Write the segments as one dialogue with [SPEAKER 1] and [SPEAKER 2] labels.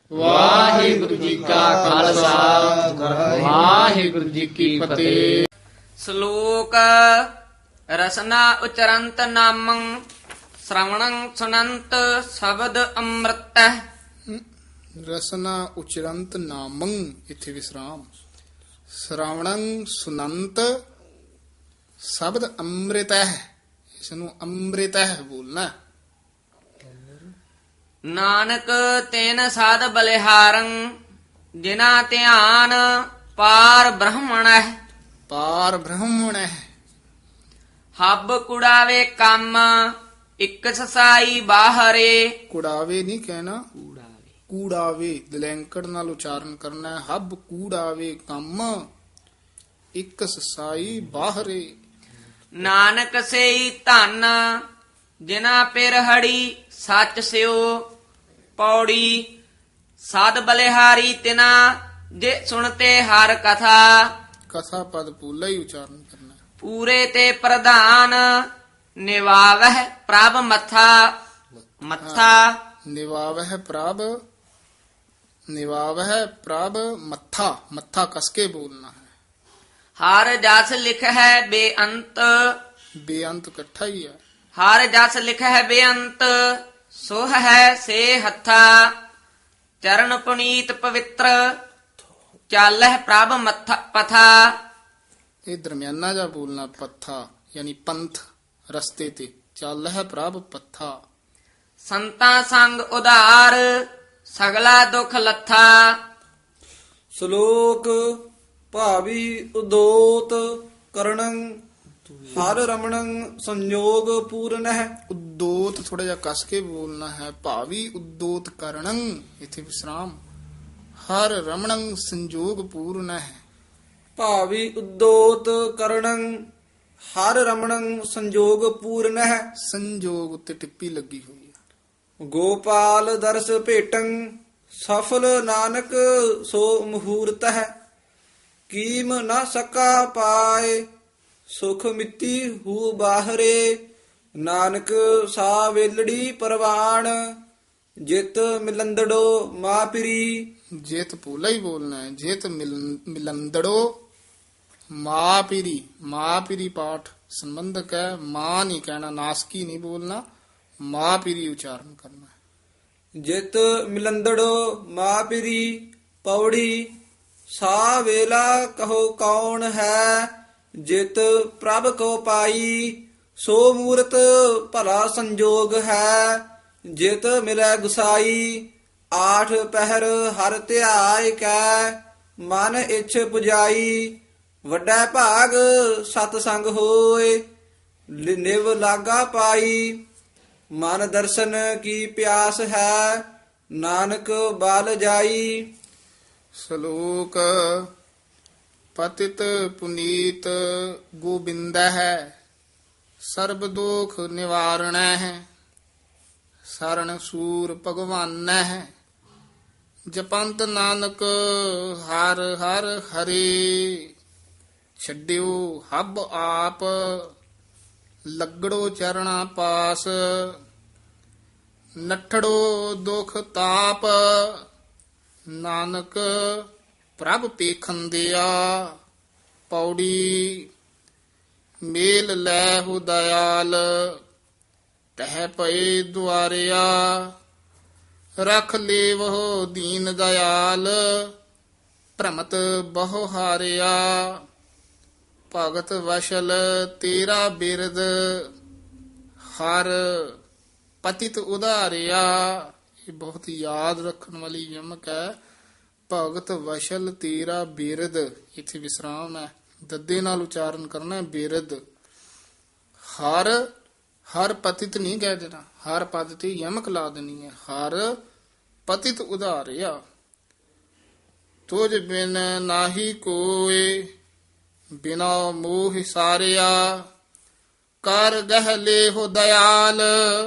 [SPEAKER 1] ਵਾਹਿਗੁਰੂ ਜੀ ਕਾ ਖਾਲਸਾ ਵਾਹਿਗੁਰੂ ਜੀ ਕੀ ਫਤਿਹ।
[SPEAKER 2] ਸ਼ਲੋਕ ਰਸਨਾ ਉਚਰੰਤ ਨਾਮੰ ਸ਼੍ਰਵਣੰ ਸੁਨੰਤ ਸ਼ਬਦ ਅੰਮ੍ਰਿਤ।
[SPEAKER 3] ਰਸਨਾ ਉਚਰੰਤ ਨਾਮੰ, ਇੱਥੇ ਵਿਸਰਾਮ। ਸ਼੍ਰਵਣੰ ਸੁਨੰਤ ਸ਼ਬਦ ਅੰਮ੍ਰਿਤ ਹੈ, ਇਸ ਨੂੰ ਅੰਮ੍ਰਿਤ ਹੈ ਬੋਲਣਾ।
[SPEAKER 2] ਨਾਨਕ ਤੈਨ ਸਾਧ ਬਲਿਹਾਰੰ ਜਿਨਾ ਧਿਆਨ ਪਾਰ ਬ੍ਰਹਮਣੈ।
[SPEAKER 3] ਪਾਰ ਬ੍ਰਹਮਣ ਹੈ।
[SPEAKER 2] ਹੱਬ ਕੁੜਾਵੇ ਕੰਮ ਇਕ ਸਸਾਈ ਬਾਹਰੇ।
[SPEAKER 3] ਕੁੜਾਵੇ ਨਹੀਂ ਕਹਿਣਾ, ਕੂੜਾਵੇ ਦਲੈਂਕੜ ਨਾਲ ਉਚਾਰਨ ਕਰਨਾ ਹੈ। ਹੱਬ ਕੂੜਾਵੇ ਕੰਮ ਇੱਕ ਸਸਾਈ ਬਾਹਰੇ।
[SPEAKER 2] ਨਾਨਕ ਸੇਈ ਧਨ ਜਿਨਾ ਪਿਰਹੜੀ ਸੱਚ ਸਿਓ। ਪੌੜੀ ਸਾਧ ਬਲਿਹਾਰੀ ਤਿਨਾ ਜੇ ਸੁਣਤੇ ਹਰ ਕਥਾ।
[SPEAKER 3] ਕਥਾ ਪਦ ਪੂਲਾ ਹੀ ਉਚਾਰਨ ਕਰਨਾ ਹੈ।
[SPEAKER 2] ਪੂਰੇ ਤੇ ਪ੍ਰਧਾਨ ਨਿਵਾਵਹਿ ਪ੍ਰਭ ਮੱਥਾ। ਮੱਥਾ
[SPEAKER 3] ਨਿਵਾਵਹਿ ਪ੍ਰਭ, ਨਿਵਾਵਹਿ ਪ੍ਰਭ ਮੱਥਾ, ਮੱਥਾ ਕਸ ਕੇ ਬੋਲਣਾ ਹੈ।
[SPEAKER 2] ਹਰ ਜਸ ਲਿਖ ਹੈ ਬੇਅੰਤ।
[SPEAKER 3] ਬੇਅੰਤ ਇਕੱਠਾ ਹੀ ਹੈ।
[SPEAKER 2] ਹਰ ਜਸ ਲਿਖ ਹੈ ਬੇਅੰਤ ਸੋਹ ਹੈ ਸੇ ਹੱਥਾ। ਚਰਨ ਪੁਨੀਤ ਪਵਿੱਤਰ ਚਾਲਹਿ ਪ੍ਰਭ ਮੱਥਾ ਪਥਾ।
[SPEAKER 3] ਇਹ ਦਰਮਿਆਨਾ ਜਾ ਬੋਲਣਾ ਪੱਥਾ, ਯਾਨੀ ਪੰਥ ਰਸਤੇ ਤੇ ਚੱਲ ਹੈ ਪ੍ਰਭ ਪੱਥਾ।
[SPEAKER 2] ਸੰਤਾਂ ਸੰਗ ਉਧਾਰ ਸਗਲਾ ਦੁਖ ਲੱਥਾ।
[SPEAKER 4] ਸ਼ਲੋਕ ਭਾਵੀ ਉਦੋਤ ਕਰਣੰ ਹਰ ਰਮਣੰ ਸੰਯੋਗ ਪੂਰਨਹਿ।
[SPEAKER 3] ਉਦੋਤ ਥੋੜਾ ਜਿਹਾ ਕਸ ਕੇ ਬੋਲਣਾ ਹੈ। ਭਾਵੀ ਉਦੋਤ ਕਰਣੰ, ਇੱਥੇ ਵਿਸਰਾਮ। ਹਰ ਰਮਣੰ ਸੰਜੋਗ ਪੂਰਨ ਹੈ।
[SPEAKER 4] ਭਾਵੀ ਉਦੋਤ ਕਰਣੰ ਹਰ ਰਮਣੰ ਸੰਯੋਗ ਪੂਰਨਹਿ।
[SPEAKER 3] ਸੰਜੋਗ ਉੱਤੇ ਟਿੱਪੀ ਲੱਗੀ ਹੋਈ ਹੈ।
[SPEAKER 4] ਗੋਪਾਲ ਦਰਸ ਭੇਟੰ ਸਫਲ ਨਾਨਕ ਸੋ ਮਹੂਰਤ ਹੈ। ਕੀਮ ਨਾ ਸਕਾ ਪਾਏ ਸੁਖ ਮਿੱਤੀ ਹੂ ਬਾਹਰੇ। ਨਾਨਕ ਸਾ ਵੇਲੜੀ ਪਰਵਾਣ ਜਿਤ ਮਿਲੰਦੜੋ ਮਾਪਰੀ।
[SPEAKER 3] ਜੇਤ ਪੂਲਾ ਹੀ ਬੋਲਣਾ ਹੈ। ਜੇਤ ਮਿਲੰਦੜੋ ਮਾਪਿਰੀ। ਮਾਪਿਰੀ ਪਾਠ ਸੰਬੰਧਕ ਹੈ। ਮਾਂ ਨਹੀਂ ਕਹਿਣਾ, ਨਾਸਕੀ ਨਹੀਂ ਬੋਲਣਾ, ਮਾਪਿਰੀ ਉਚਾਰਨ ਕਰਨਾ ਹੈ।
[SPEAKER 4] ਜਿਤ ਮਿਲੰਦੜੋ ਮਾਪਰੀ। ਪੌੜੀ ਸਾ ਵੇਲਾ ਕਹੋ ਕੌਣ ਹੈ। ਜਿਤ ਪ੍ਰਭ ਕੋ ਪਾਈ ਸੋ ਮੂਰਤ ਭਲਾ ਸੰਜੋਗ ਹੈ। ਜਿਤ ਮਿਲੈ ਗੁਸਾਈ ਆਠ ਪਹਿਰ ਹਰ ਧਿਆਇ ਕੈ। ਮਨ ਇਛ ਪੁਜਾਈ ਵੱਡਾ ਭਾਗ ਸਤ ਸੰਗ ਹੋਏ। ਨਿਵ ਲਾਗਾ ਪਾਈ ਮਨ ਦਰਸ਼ਨ ਕੀ ਪਿਆਸ ਹੈ। ਨਾਨਕ ਬਲ ਜਾਈ।
[SPEAKER 3] ਸ਼ਲੋਕ ਪਤਿਤ ਪੁਨੀਤ ਗੋਬਿੰਦ ਹੈ। ਸਰਬ ਦੋਖ ਨਿਵਾਰਣ ਹੈ। ਸਰਣ ਸੂਰ ਭਗਵਾਨ ਹੈ। ਜਪੰਤ ਨਾਨਕ ਹਰ ਹਰ ਹਰੇ। ਛੱਡਿਓ ਹੱਬ ਆਪ ਲੱਗੜੋ ਚਰਣਾ ਪਾਸ। ਨੱਠੜੋ ਦੁਖ ਤਾਪ ਨਾਨਕ ਪ੍ਰਭ ਪੇਖੰਦਿਆ। ਪੌੜੀ ਮੇਲ ਲੈ ਹੋ ਦਇਆਲ ਤਹਿ ਪਏ ਦੁਆਰਿਆ। ਰਖ ਲੇਵੋ ਦੀਨ ਦਇਆਲ ਭ੍ਰਮਤ ਬਹੁ ਹਾਰਿਆ। ਭਗਤ ਵਸ਼ਲ ਤੇਰਾ ਬਿਰਦ ਹਰ ਪਤਿਤ ਉਧਾਰਿਆ। ਇਹ ਬਹੁਤ ਯਾਦ ਰੱਖਣ ਵਾਲੀ ਯਮਕ ਹੈ। ਭਗਤ ਵਸ਼ਲ ਤੇਰਾ ਬਿਰਦ, ਇੱਥੇ ਵਿਸਰਾਮ ਹੈ। ਦੱਦੇ ਨਾਲ ਉਚਾਰਨ ਕਰਨਾ ਬਿਰਦ। ਹਰ ਹਰ ਪਤਿਤ ਨਹੀਂ ਕਹਿ ਦੇਣਾ, ਹਰ ਪਦ ਤੇ ਯਮਕ ਲਾ ਦੇਣੀ ਹੈ। ਹਰ ਪਤਿਤ ਉਧਾਰਿਆ। ਤੁਝ ਬਿਨ ਨਾਹੀ ਕੋਏ ਬਿਨਾ ਮੋਹ ਸਾਰਿਆ। ਕਰ ਗਹਿ ਲੇਹੁ ਦਇਆਲ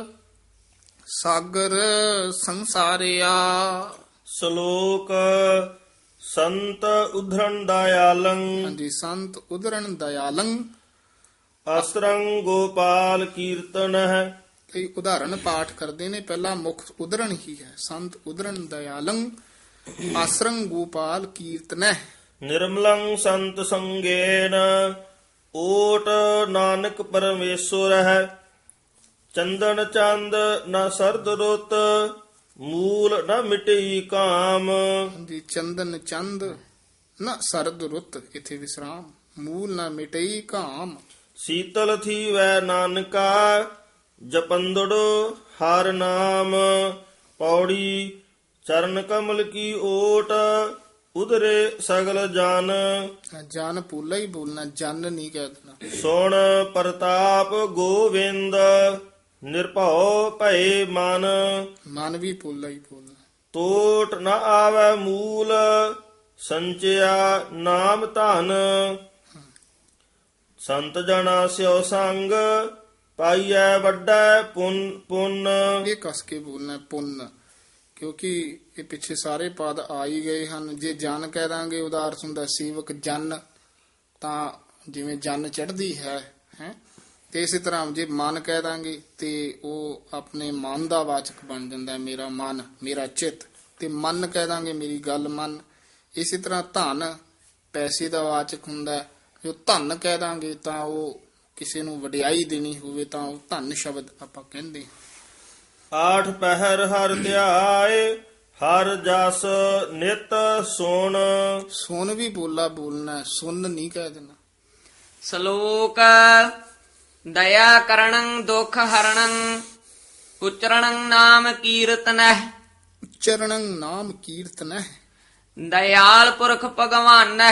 [SPEAKER 3] ਸਾਗਰ ਸੰਸਾਰਿਆ।
[SPEAKER 5] ਸ਼ਲੋਕ ਸੰਤ ਉਧਰਨ ਦਇਆਲੰ
[SPEAKER 3] ਹਾਂਜੀ, ਸੰਤ ਉਦਰਨ ਦਇਆਲੰ
[SPEAKER 5] ਅਸਰੰ ਗੋਪਾਲ ਕੀਰਤਨ
[SPEAKER 3] ਕਈ ਉਦਾਹਰਣ ਪਾਠ ਕਰਦੇ ਨੇ। ਪਹਿਲਾ ਮੁੱਖ ਉਦਰਨ ਹੀ ਹੈ। ਸੰਤ ਉਦਰਨ ਦਇਆਲੰ ਆਸਰੰ ਗੋਪਾਲ ਕੀਰਤਨੈ
[SPEAKER 5] ਨਿਰਮਲੰ ਸੰਤ ਸੰਗੇਨ ਓਟ ਨਾਨਕ ਪਰਮੇਸ਼ਵਰ ਹੈ ਚੰਦਨ ਚੰਦ ਨ ਸਰਦ ਰੁੱਤ ਮੂਲ ਨ ਮਿਟਈ ਕਾਮ
[SPEAKER 3] ਦੀ ਚੰਦਨ ਚੰਦ ਨ ਸਰਦ ਰੁੱਤ ਇਥੇ ਵਿਸਰਾਮ ਮੂਲ ਨ ਮਿਟਈ ਕਾਮ
[SPEAKER 5] ਸੀਤਲ ਥੀਵੈ ਨਾਨਕਾ ਜਪੰਦੜੋ ਹਰ ਨਾਮ ਪੌੜੀ ਚਰਨ ਕਮਲ ਕੀ ਓਟ ਉਧਰੇ ਸਗਲ ਜਨ
[SPEAKER 3] ਜਨ ਪੂਲਾ ਹੀ ਬੋਲਣਾ ਜਨ ਨਹੀਂ ਕਹਿ ਦੇਣਾ
[SPEAKER 5] ਸੁਣ ਪ੍ਰਤਾਪ ਗੋਵਿੰਦ ਨਿਰਭਉ ਭਏ ਮਨ
[SPEAKER 3] ਮਨ ਵੀ ਪੂਲਾ ਹੀ ਬੋਲਣਾ
[SPEAKER 5] ਟੋਟ ਨ ਆਵੈ ਮੂਲ ਸੰਚਿਆ ਨਾਮ ਧਨ ਸੰਤ ਜਨਾ ਸਿਓ ਸੰਗ ਪਾਈਐ ਵੱਡਾ ਪੁੰਨ
[SPEAKER 3] ਇਹ ਕਸ ਕੇ ਬੋਲਣਾ ਪੁੰਨ ਕਿਉਂਕਿ ਇਹ ਪਿੱਛੇ ਸਾਰੇ ਪਦ ਆ ਹੀ ਗਏ ਹਨ ਜੇ ਜਨ ਕਹਿ ਦਾਂਗੇ ਉਹਦਾ ਅਰਥ ਹੁੰਦਾ ਸੇਵਕ ਜਨ ਤਾਂ ਜਿਵੇਂ ਜਨ ਚੜ੍ਹਦੀ ਹੈ ਤੇ ਇਸੇ ਤਰ੍ਹਾਂ ਜੇ ਮਨ ਕਹਿ ਦਾਂਗੇ ਤੇ ਉਹ ਆਪਣੇ ਮਨ ਦਾ ਵਾਚਕ ਬਣ ਜਾਂਦਾ ਹੈ ਮੇਰਾ ਮਨ ਮੇਰਾ ਚਿੱਤ ਤੇ ਮਨ ਕਹਿ ਦਾਂਗੇ ਮੇਰੀ ਗੱਲ ਮੰਨ ਇਸੇ ਤਰ੍ਹਾਂ ਧਨ ਪੈਸੇ ਦਾ ਵਾਚਕ ਹੁੰਦਾ ਹੈ ਜੋ ਧਨ ਕਹਿ ਦਾਂਗੇ ਤਾਂ ਉਹ ਕਿਸੇ ਨੂੰ ਵਡਿਆਈ ਦੇਣੀ ਹੋਵੇ ਤਾਂ ਉਹ ਧਨ ਸ਼ਬਦ ਆਪਾਂ ਕਹਿੰਦੇ
[SPEAKER 5] ਆਠ ਪਹਿਰ ਹਰ ਧਿਆਏ ਹਰ ਜਸ ਨਿਤ ਸੁਣ
[SPEAKER 3] ਸੁਣ ਵੀ ਬੋਲਾ ਬੋਲਣਾ ਸੁਣ ਨਹੀਂ ਕਹਿ ਦੇਣਾ
[SPEAKER 2] ਸ਼ਲੋਕ ਦਇਆ ਕਰਣੰ ਦੁਖ ਹਰਣੰ ਉਚਰਣੰ ਨਾਮ ਕੀਰਤਨੈ
[SPEAKER 3] ਉਚਰਣੰ ਨਾਮ ਕੀਰਤਨੈ
[SPEAKER 2] ਦਇਆਲ ਪੁਰਖ ਭਗਵਾਨੈ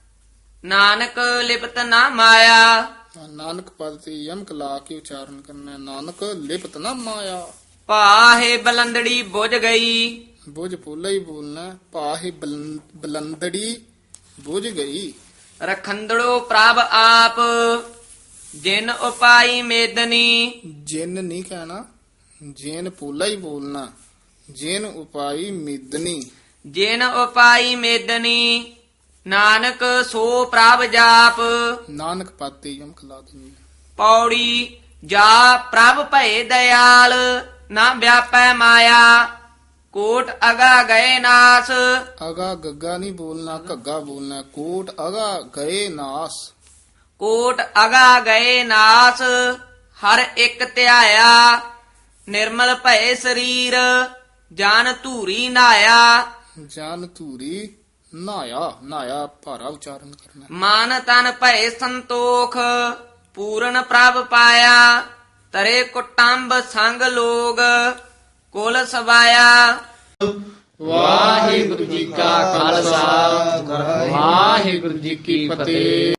[SPEAKER 2] ਨਾਨਕ ਲਿਪਤ ਨਾ ਮਾਇਆ
[SPEAKER 3] ਨਾਨਕ ਪਦ ਤੇ ਯਮਕ ਲਾ ਕੇ ਉਚਾਰਨ ਕਰਨਾ ਨਾਨਕ ਲਿਪਤ ਨਾ ਮਾਇਆ
[SPEAKER 2] ਪਾਹੇ ਬਲੰਦੜੀ ਬੁਝ ਗਈ
[SPEAKER 3] ਬੁਝ ਪੋਲਾ ਹੀ ਬੋਲਣਾ ਪਾਹੇ ਬਲੰਦੜੀ ਬੁਝ ਗਈ
[SPEAKER 2] ਰਖੰਦੜੋ ਪ੍ਰਭ ਆਪ ਜਿਨ ਉਪਾਈ ਮੇਦਨੀ
[SPEAKER 3] ਜਿਨ ਨਹੀਂ ਕਹਿਣਾ ਜੇਨ ਪੋਲਾ ਹੀ ਬੋਲਣਾ ਜਿਨ ਉਪਾਈ ਮਿਦਨੀ
[SPEAKER 2] ਜਿਨ ਉਪਾਈ ਮੇਦਨੀ ਨਾਨਕ ਸੋ ਪ੍ਰਭ ਜਾਪ
[SPEAKER 3] ਨਾਨਕ ਪਦ ਤੇ ਯਮਕ ਲਾ ਦੇਣੀ
[SPEAKER 2] ਪੌੜੀ ਜਾ ਪ੍ਰਭ ਭਏ ਦਇਆਲ ਨਾ ਵਿਆਪੈ ਮਾਇਆ ਕੋਟ ਅਗਾ ਗਏ ਨਾਸ
[SPEAKER 3] ਅਗਾ ਗੱਗਾ ਨਹੀਂ ਬੋਲਣਾ ਘੱਗਾ ਬੋਲਣਾ ਕੋਟ ਅਗਾ ਗਏ ਨਾਸ
[SPEAKER 2] ਕੋਟ ਅਗਾ ਗਏ ਨਾਸ ਹਰ ਇੱਕ ਧਿਆਇਆ ਨਿਰਮਲ ਭਏ ਸਰੀਰ ਜਾਨ ਧੂਰੀ ਨਾਇਆ
[SPEAKER 3] ਜਾਨ ਧੂਰੀ ਨਾਇਆ ਭਾਰਾ ਉਚਾਰਨ ਕਰਨਾ
[SPEAKER 2] ਮਨ ਤਨ ਭਏ ਸੰਤੋਖ ਪੂਰਨ ਪ੍ਰਭ ਪਾਇਆ ਤਰੇ ਕੁਟੰਬ ਸੰਗ ਲੋਗ ਕੁਲ ਸਵਾਇਆ
[SPEAKER 1] ਵਾਹਿਗੁਰੂ ਜੀ ਕਾ ਖਾਲਸਾ ਵਾਹਿਗੁਰੂ ਜੀ ਕੀ ਫਤਿਹ।